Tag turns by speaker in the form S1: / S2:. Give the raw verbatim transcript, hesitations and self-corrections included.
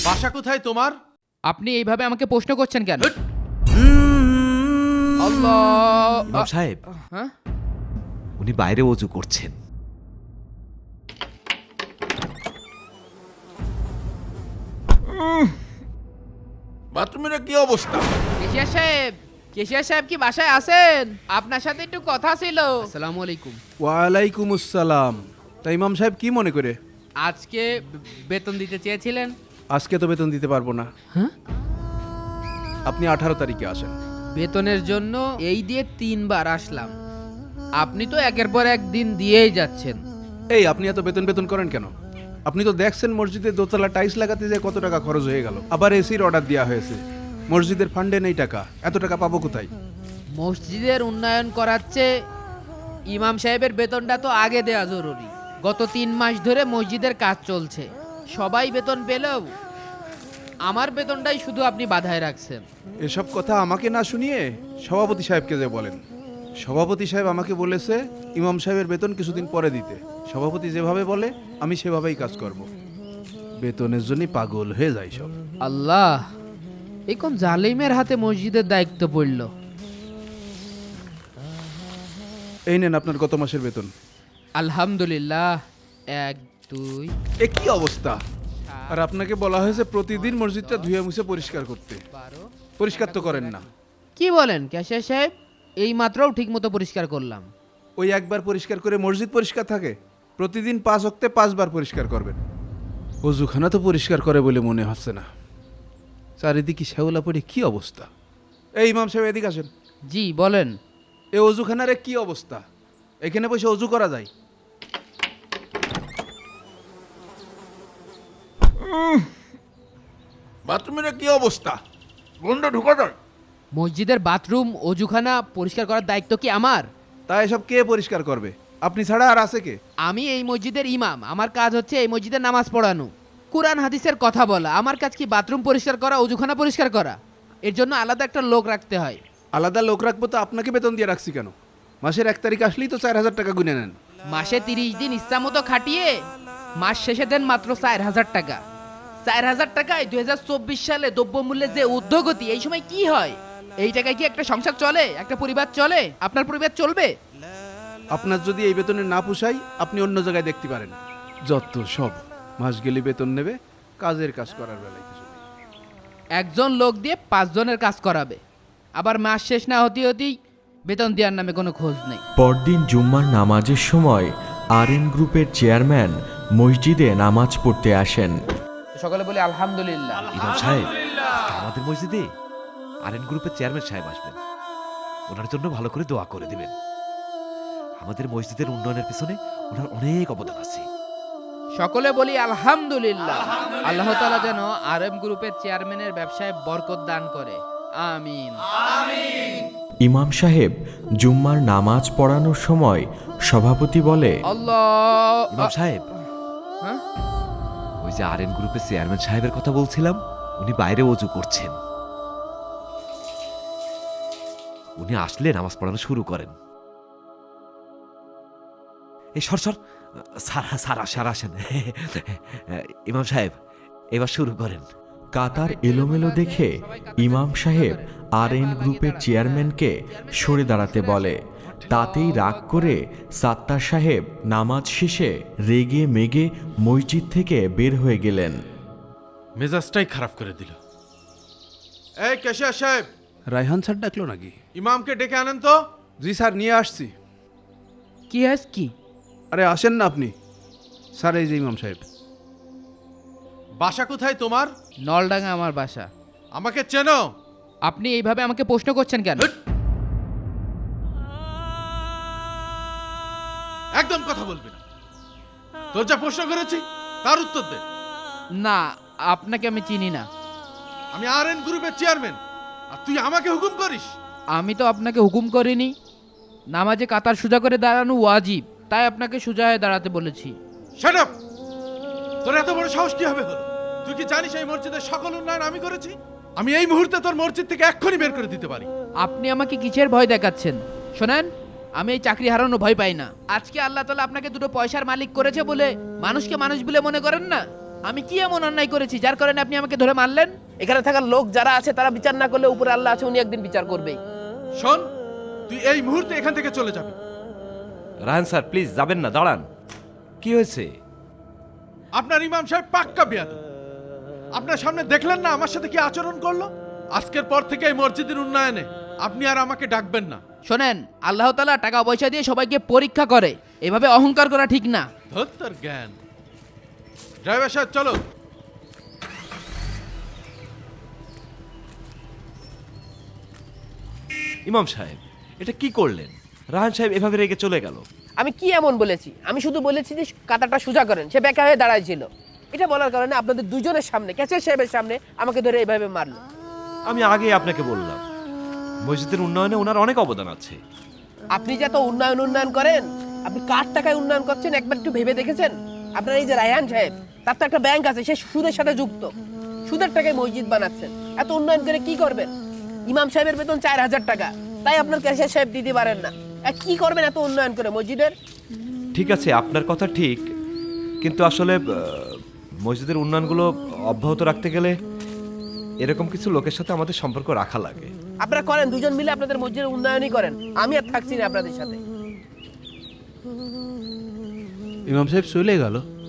S1: বাসা কোথায় তোমার?
S2: আপনি এইভাবে আমাকে প্রশ্ন করছেন কেন?
S1: হুট!
S2: আল্লাহ!
S3: ইমাম সাহেব,
S2: হ্যাঁ?
S3: উনি বাইরে ওযু করছেন।
S1: বাথরুমের কি অবস্থা?
S2: কেশিয়া সাহেব, কেশিয়া সাহেব কি বাসায় আছেন? আপনার সাথে একটু কথা ছিল। আসসালামু আলাইকুম।
S4: ওয়ালাইকুম আসসালাম। তা ইমাম সাহেব কি মনে করে?
S2: আজকে বে- বেতন দিতে চেয়েছিলেন?
S4: আজকে তো বেতন দিতে পারবো না।
S2: হ্যাঁ?
S4: আপনি আঠারো তারিখে আসেন।
S2: বেতনের জন্য এই দিয়ে তিনবার আসলাম। আপনি তো একের পর এক দিন দিয়েই যাচ্ছেন।
S4: এই আপনি এত বেতন বেতন করেন কেন? আপনি তো দেখছেন মসজিদে দোতলা টাইলস লাগাতে যে কত টাকা খরচ হয়ে গেল। আবার এসির অর্ডার দেওয়া হয়েছে। মসজিদের ফান্ডে নেই টাকা। এত টাকা পাবো কোথায়?
S2: মসজিদের উন্নয়ন করাচ্ছে, ইমাম সাহেবের বেতনটা তো আগে দেওয়া জরুরি। গত তিন মাস ধরে মসজিদের কাজ চলছে, সবাই বেতন পেলেও আমার বেতনটাই শুধু আপনি বাধায় রাখছেন।
S4: এসব কথা আমাকে না শুনিয়ে সভাপতি সাহেবকে যে বলেন। সভাপতি সাহেব আমাকে বলেছে ইমাম সাহেবের বেতন কিছুদিন পরে দিতে। সভাপতি যেভাবে বলে আমি সেভাবেই কাজ করব। বেতনের জন্যই পাগল হয়ে যায় সব।
S2: আল্লাহ, এই কোন জালিমের হাতে মসজিদের দায়িত্ব পড়ল।
S4: এই নেন আপনার গত মাসের বেতন।
S2: আলহামদুলিল্লাহ। এক দুই
S4: এ কি অবস্থা! আর আপনাকে বলা হয়েছে প্রতিদিন মসজিদটা ধুয়ে মুছে পরিষ্কার করতে।
S2: বারো।
S4: পরিষ্কার তো করেন না।
S2: কি বলেন ক্যাশিয়ার সাহেব? এই মাত্রও ঠিক মতো পরিষ্কার করলাম।
S4: ওই একবার পরিষ্কার করে মসজিদ পরিষ্কার থাকে? প্রতিদিন পাঁচ ওয়াক্তে পাঁচবার পরিষ্কার করবেন। অজুখানা তো পরিষ্কার করে বলে মনে হচ্ছে না। চারিদিকে শ্যাওলা পড়ে কি অবস্থা! এই ইমাম সাহেব এদিকে আসেন।
S2: জি বলেন।
S4: এই অজুখানারে কি অবস্থা! এখানে বসে অজু করা যায়?
S1: বাথরুমের কি অবস্থা? গন্ধ ঢুকা যায়।
S2: মসজিদের বাথরুম অজুখানা পরিষ্কার করার দায়িত্ব কি আমার?
S4: তা এসব কে পরিষ্কার করবে? আপনি ছাড়া আর আছে কে?
S2: আমি এই মসজিদের ইমাম, আমার কাজ হচ্ছে এই মসজিদে নামাজ পড়ানো, কোরআন হাদিসের কথা বলা। আমার কাজ কি বাথরুম পরিষ্কার করা, অজুখানা পরিষ্কার করা? এর জন্য আলাদা একটা লোক রাখতে হয়।
S4: আলাদা লোক রাখবো তো আপনাকে বেতন দিয়ে রাখছি কেন? মাসের এক তারিখ আসলেই তো চার হাজার টাকা গুনে নেন।
S2: মাসে তিরিশ দিন ইচ্ছা মতো খাটিয়ে মাস শেষে দেন মাত্র চার হাজার টাকা। চার হাজার টাকায় দুই হাজার চব্বিশ সালে দ্রব্যমূল্যের যে ঊর্ধ্বগতি, এই সময় কি হয়? এই টাকায় কি একটা সংসার চলে? একটা পরিবার চলে? আপনার পরিবার চলবে?
S4: আপনার যদি এই বেতনে না পোষায় আপনি অন্য জায়গায় দেখতে পারেন। যত সব মাস গেলে বেতন নেবে, কাজের কাজ করার বেলায় কিছু নেই।
S2: একজন লোক দিয়ে পাঁচজনের কাজ করাবে, আবার মাস শেষ না হতে হতেই বেতন দেওয়ার নামে কোনো খোঁজ নেই।
S5: পরদিন জুম্মার নামাজের সময় আর এন গ্রুপের চেয়ারম্যান মসজিদে নামাজ পড়তে আসেন।
S2: সকালে বলি আলহামদুলিল্লাহ।
S3: ইমাম সাহেব, আজকে আমাদের মসজিদে আরএন গ্রুপের চেয়ারম্যান সাহেব আসবেন। ওনার জন্য ভালো করে দোয়া করে দিবেন। আমাদের মসজিদের উন্নয়নের পিছনে ওনার অনেক অবদান আছে।
S2: সকলে বলি আলহামদুলিল্লাহ। আল্লাহ তাআলা যেন আর এম গ্রুপের চেয়ারম্যানের ব্যবসায় বরকত দান করে, আমিন।
S5: ইমাম সাহেব জুম্মার নামাজ পড়ানোর সময় সভাপতি বলে,
S2: আল্লাহ।
S3: ইমাম সাহেব,
S2: হ্যাঁ?
S3: ওই যে আরএন গ্রুপের চেয়ারম্যান সাহেবের কথা বলছিলাম, উনি বাইরে ওযু করছেন। উনি আসলে নামাজ পড়ানো শুরু করেন। এই সর সর, সারা সারা সারা আসেন। ইমাম সাহেব, এবার শুরু করেন।
S5: কাতার এলোমেলো দেখে ইমাম সাহেব আর এন গ্রুপের চেয়ারম্যানকে সরে দাঁড়াতে বলে। তাতেই রাগ করে সাত্তার সাহেব নামাজ শেষে রেগে মেগে মসজিদ থেকে বের হয়ে গেলেন।
S1: মেজাজটাই খারাপ করে দিল। এই ক্যাশিয়ার সাহেব,
S4: রায়হান স্যার ডাকলো নাকি?
S1: ইমামকে ডেকে আনেন তো।
S4: জি স্যার, নিয়ে আসছি।
S2: কি হাস কি?
S4: আরে আসেন না আপনি। স্যার এই যে ইমাম সাহেব।
S1: বাসা কোথায় তোমার?
S2: নলডাঙ্গা আমার বাসা।
S1: আমাকে চেনো?
S2: আপনি এইভাবে আমাকে প্রশ্ন করছেন কেন?
S1: হুট! একদম কথা বলবি না। তোর যা প্রশ্ন করেছি তার উত্তর দে।
S2: না, আপনাকে আমি চিনি না।
S1: আমি আর এন গ্রুপের চেয়ারম্যান, আর তুই আমাকে হুকুম করিস?
S2: আমি তো আপনাকে হুকুম করিনি। নামাজে কাতার সোজা করে দাঁড়ানো ওয়াজিব, তাই আপনাকে সোজা হয়ে দাঁড়াতে বলেছি।
S1: Shut up! তোর এত বড় সাহস কি হবে হলো? তুই কি জানিস এই মসজিদের সকল উন্নয়ন আমি করেছি? আমি এই মুহূর্তে তোর মসজিদ থেকে এক্ষুনি বের করে দিতে পারি।
S2: আপনি আমাকে কিসের ভয় দেখাচ্ছেন? শোনেন, আমি এই চাকরি হারানো ভয় পাই না। আজকে আল্লাহ তাআলা আপনাকে দুটো পয়সার মালিক করেছে বলে মানুষকে মানুষ বলে মনে করেন না। আমি কি এমন অন্যায় করেছি যার কারণে আপনি আমাকে ধরে মারলেন?
S6: এখানে থাকার লোক যারা আছে তারা বিচার না করলে উপরে আল্লাহ আছে, উনি একদিন বিচার করবেই।
S1: শোন, তুই এই মুহূর্তে এখান থেকে চলে যাবি।
S3: রায়হান স্যার প্লিজ যাবেন না, দাঁড়ান। কি হয়েছে?
S1: আপনার ইমাম সাহেব পাক্কা বিয়াদব। আপনার সামনে দেখলেন না আমার সাথে কি আচরণ করলো? আজকের পর থেকে এই মসজিদের উন্নয়নে আপনি আর আমাকে ডাকবেন না।
S2: শোনেন, আল্লাহ তাআলা টাকা পয়সা দিয়ে সবাইকে পরীক্ষা করে, এভাবে অহংকার করা ঠিক না।
S1: ধর তোর জ্ঞান। ড্রাইভার সাহেব চলো।
S3: ইমাম সাহেব এটা কি করলেন? রায়হান সাহেব এভাবে রেগে চলে গেল।
S6: আমি কি এমন বলেছি? আমি শুধু বলেছি যে কাতারটা সোজা করেন। সে বেকা হয়ে দাঁড়াইছিল। এটা বলার কারণে আপনাদের দুজনের সামনে, ক্যাচের সাহেবের সামনে আমাকে ধরে এইভাবে মারলো।
S3: আমি আগে আপনাকে বললাম মসজিদের উন্নয়নে ওনার অনেক অবদান আছে।
S6: আপনি যে এত উন্নয়ন উন্নয়ন করেন, আপনি কার টাকায় উন্নয়ন করছেন একবার একটু ভেবে দেখেছেন? আপনার এই যে রায়হান সাহেব, তার তো একটা ব্যাংক আছে, সে সুদের সাথে যুক্ত। সুদের টাকায় মসজিদ বানাচ্ছেন। এত উন্নয়ন করে কি করবেন? ইমাম সাহেবের বেতন চার হাজার টাকা, তাই আপনার ক্যাশিয়ার সাহেব দিতে পারেন না। আর কি করবেন এত উন্নয়ন করে মসজিদের?
S3: ঠিক আছে, আপনার কথা ঠিক, কিন্তু আসলে আহ, মসজিদের উন্নয়নগুলো অব্যাহত রাখতে গেলে এরকম কিছু লোকের সাথে আমাদের সম্পর্ক রাখা লাগে।
S6: আপনারা করেন, দুজন মিলে আপনাদের মসজিদের উন্নয়নই করেন। আমি আর থাকছি না আপনাদের সাথে।
S4: ইমাম সাহেব চলে গেল।